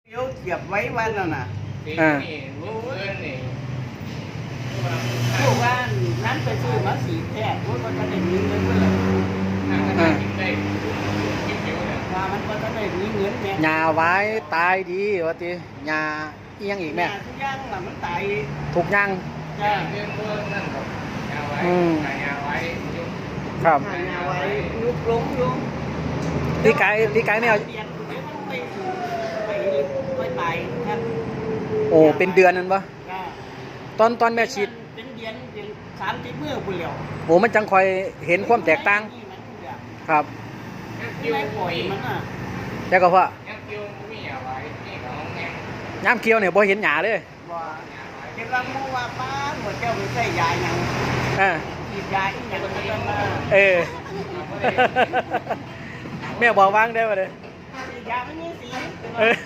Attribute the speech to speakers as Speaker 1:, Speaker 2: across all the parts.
Speaker 1: เดี๋ยวเก็บไว้วันแล้วนะ
Speaker 2: อ่า
Speaker 1: ผู้ว่านั้นไปซื้อมาสีแท้เพราะมันจะได้มีเงินเมื่อไหร่ว่ามันก็จะได้มีเงินแม่
Speaker 2: หญ้าไว้ตายดีว่าติหญ้าอีหยังอีกแม่
Speaker 1: ทุกอย่างน่ะมันตาย
Speaker 2: ทุกอย่าง
Speaker 1: จ้า
Speaker 2: ครับ
Speaker 1: หายาไว้ยุบลงยุบ
Speaker 2: พี่ไก่ไม่เอา
Speaker 1: เดียนไปตายครับ
Speaker 2: โอ้เป็นเดือนนั่นปะ
Speaker 1: จ้า
Speaker 2: ตอนแม่ฉีด
Speaker 1: เป็นเดือน30 มื้อพุ่นแล้ว
Speaker 2: โอ้มันจังคอยเห็นความแตกต่างครับ
Speaker 1: ไม่ปล่อยมันอ่ะ
Speaker 2: แต่ก็ว่าย้ำเคี้ยวเนี่ยบ่เห็นหญ้าเลย
Speaker 1: ว่าเก็บรังมูว่าป้าหัวเจ้าไปใส่ยาหยัง
Speaker 2: อ่า
Speaker 1: ฉีดยาอีหยังก็จะมา
Speaker 2: เออ แม่บอกวางได้ป่ะเด้อ
Speaker 1: ฉีดยาไม่มีสี
Speaker 2: เออ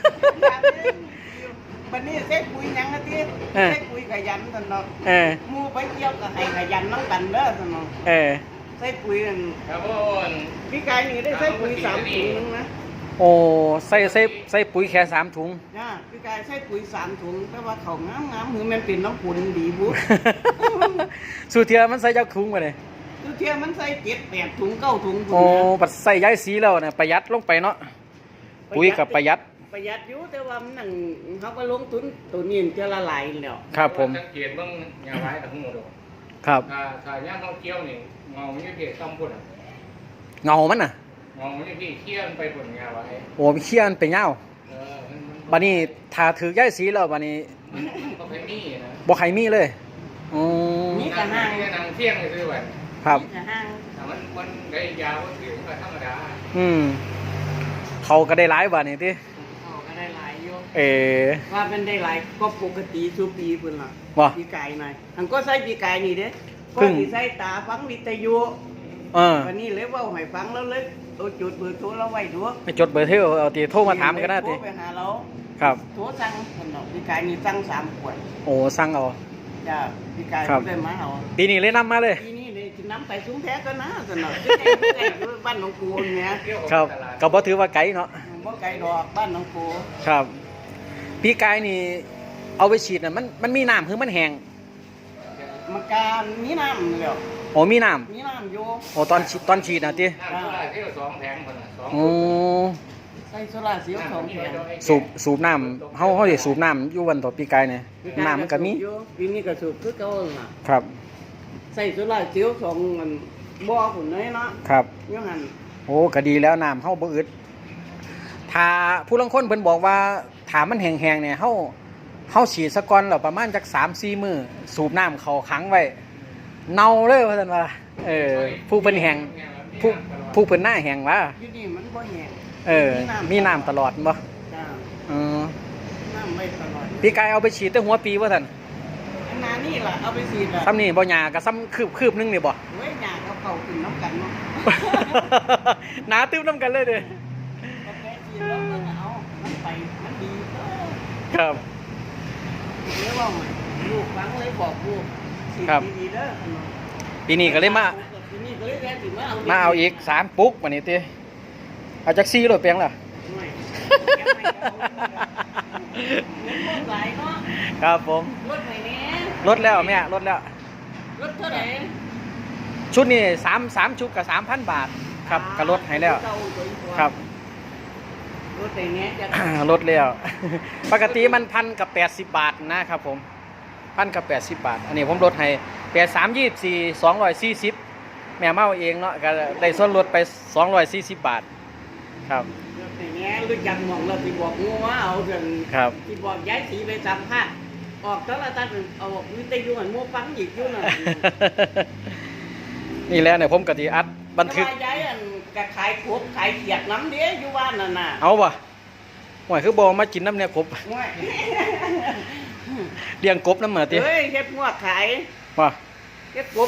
Speaker 1: วันนี้เซ็ตปุ๋ยหยังนะที่เซ็ตปุ๋ยขยันกันเนาะ
Speaker 2: เออ
Speaker 1: มูไปเที่ยวกับให้ขยันน้องกันเด้อสนอง
Speaker 2: เออ
Speaker 1: เซ็ตปุ๋ยนั่นพี่กายนี่ได้เซ็ตปุ๋ย3 ถุงนึงนะ
Speaker 2: โอ้ใส่ปุ๋ยแค่3 ถุง
Speaker 1: จ้าพี่กายเซ็ตปุ๋ย3 ถุงแต่ว่าเขางามหือมันเป็นน้ำผุนดีบุ
Speaker 2: สูเทียมันใส่จักถุงมาเลย
Speaker 1: ทุกเที่ยวมันใส่7-8 ถุง9 ถุง
Speaker 2: โอ้ปัดใส่ย้ายสีแล้วเนี่ยประหยัดลงไปเนาะปุ๋ยกับประหยัด
Speaker 1: ประหยัดอยู่แต่ว่ามันนั่งเขาก็ลงทุนตัวนี้จะละลายแล้ว
Speaker 2: ครับผม
Speaker 3: สังเกตเบิ่งยาไว้ทั้งหมด
Speaker 2: ครับ
Speaker 3: ถ้าย่างเขาเคี้ยวนี่เงาไม่พี่ต้องพูด
Speaker 2: เงามันน่ะ
Speaker 3: เงาไม่พี่เคี้ยวไปผลยาไว้
Speaker 2: โอ้มันเขี้ยนไปเงาบัดนี้ถ้าถือย้ายสีแล้วบัดนี้
Speaker 3: ก็เป็นนี่นะ
Speaker 2: บ่ใครมีเลยอืม
Speaker 1: นี่กะห้าง
Speaker 3: นี่นางเที่ยงเลยซื้อไว้
Speaker 2: ครับ
Speaker 1: นี่กะห้าง
Speaker 3: ถ้ามันได้ยาว่าถือก็ธรรมดา
Speaker 2: อืมเขาก็ได้หลายบัดนี้ติ
Speaker 1: เขาก็ได้หลายอยู่
Speaker 2: เออ
Speaker 1: ว่าเป็นได้หลายก็ปกติทุกปีพุ่นล่ะ
Speaker 2: ว่า
Speaker 1: ปีกายหน่อยอันก็ใส่ปีกายนี่เด้ก็
Speaker 2: พึ่ง
Speaker 1: สิใส่ตาฟังวิทยุ
Speaker 2: เออ
Speaker 1: วันนี้เลยเว้าให้ฟังแล้วเลยเอาจุดเบอร์โทรเราไว้ดู
Speaker 2: ไปจดเบอร์โทรเอาติโทรมาถามกันได้
Speaker 1: โทร
Speaker 2: ติ
Speaker 1: ไปหาเรา
Speaker 2: ครับ
Speaker 1: โทรสั่งพุ่นเนาะปีกายนี่สั่ง3 ขวด
Speaker 2: โอ้สั่งเอา
Speaker 1: จ้าปีกาย
Speaker 2: ครับ
Speaker 1: ได้มาเอา
Speaker 2: ปีนี้เลยนำมาเลย
Speaker 1: ทีนี้เลยกินน้ำไปซุ้มแท้ก็นะสนอบ้านหนองปูเนี่ย
Speaker 2: ครับก็บ่ถือว่าไกลเนาะ
Speaker 1: บ่ไกลดอกบ้านหนองปู
Speaker 2: ครับพี่กายนี่เอาไปฉีดน่ะมันมีน้ำคือมันแห้ง
Speaker 1: มันการมีน้ำแล้ว
Speaker 2: โอ้มีน้
Speaker 1: มีน้ำอยู่
Speaker 2: ำโอ้ตอนฉีดน่ะติ
Speaker 3: น้ำเท่าไหร่ที่เรา2 แผงคนละ2
Speaker 2: โอ้
Speaker 1: ใส่โซลาร์เซลล์2 แผง
Speaker 2: สูบน้ำเฮาสิสูบน้ำอยู่วันต่อปีกายเนี่ยน้ำมันก็มี
Speaker 1: ปีนี้ก็สูบคือเก่าล่ะ
Speaker 2: ครับ
Speaker 1: ใส่โซลาร์เซลล์2มันบ่อพุ่นเลยเนาะ
Speaker 2: ครับ
Speaker 1: อยู่หั่น
Speaker 2: โอ้ก็ดีแล้วน้ำเฮาบ่อึดถ้าผู้ลางคนเพิ่นบอกว่าถ้ามันแห้งๆเนี่ยเฮาฉีดซะก่อนแล้วประมาณจัก 3-4 มื้อสูบน้ำเข้าขังไว้เน่าเลยว่าซั่นว่าผู้เพิ่นแห้งผู้เพิ่นหน้าแห้งว่า
Speaker 1: อยู่นี่มันบ่แห้ง
Speaker 2: มีน้ำตลอดบ่
Speaker 1: จ้า
Speaker 2: เออ
Speaker 1: น้ำไม่ตลอด
Speaker 2: พี่กายเอาไปฉีดแต่หัวปีว่าซั่น
Speaker 1: อันนั้นนี่ล่ะเอาไปฉีดล่ะ
Speaker 2: ซ้ำนี่บ่หยาก็ซ้ำคืบนึงนี่บ่
Speaker 1: เว้ยหญ้าเขาเข้าขึ้นน้ำกันเนาะ
Speaker 2: หนาตื้มน้ำกันเลยเด้อ
Speaker 1: ก็แค่ฉีดแล้วมันเอามันไปมันดีเออ
Speaker 2: ครับ
Speaker 1: เรียกว่าไงลูกฟังเลยบอกลูกฉีด
Speaker 2: ครับ
Speaker 1: ดีๆเด้อ
Speaker 2: ปีนี้ก็เลยมา
Speaker 1: ปีนี้ก็เลยแวะถึงมาเอา
Speaker 2: มาเอาอีก3 ปุ๊กวันนี้ติเอาจัก4โลดเปียงล่ะ
Speaker 1: ไม่แกไม่เอาเงินหมดหลายเนาะ
Speaker 2: ครับผม
Speaker 1: รถไหนเนี้ย
Speaker 2: ลดแล้วแม่ลดแล้ว
Speaker 1: รถเท่าไหร่
Speaker 2: ชุดนี้3ชุดกับ 3,000 บาทครับก็ลดให้แล้วครับ
Speaker 1: รถไหนเนี้ยจะ
Speaker 2: ลดแล้ว ปกติมัน1,080 บาทนะครับผม1,080 บาท อันนี้ผมลดให้83 24 240แม่เมาเองเนาะก็ได้ส่วนลดไป240 บาทครับ
Speaker 1: รถไหนเนี้ยรู้จักหมองเราที่บอกงูว่าเอาเรื่อง
Speaker 2: ครับ
Speaker 1: ที่บอกย้ายสีไปสัมภาษณ์ออกตลาดเอาวิทยุหันมัวฟังอีกอยู่น่ะ
Speaker 2: นี่แหละเนี่ยผมกะทิอัดบันทึก
Speaker 1: แต่ว่าย้ายอันกะขายขบขายเขียดน้ำเด้อยู่บ้านนั่นน่ะ
Speaker 2: เอาป่ะหวยคือบอมากินน้ำเนี่ยกบ
Speaker 1: ง่วย
Speaker 2: เลี้ยงกบน้ำเหมือติ
Speaker 1: เฮ้ยเฮ็ดงวดขาย
Speaker 2: ว่า
Speaker 1: เฮ็ดกบ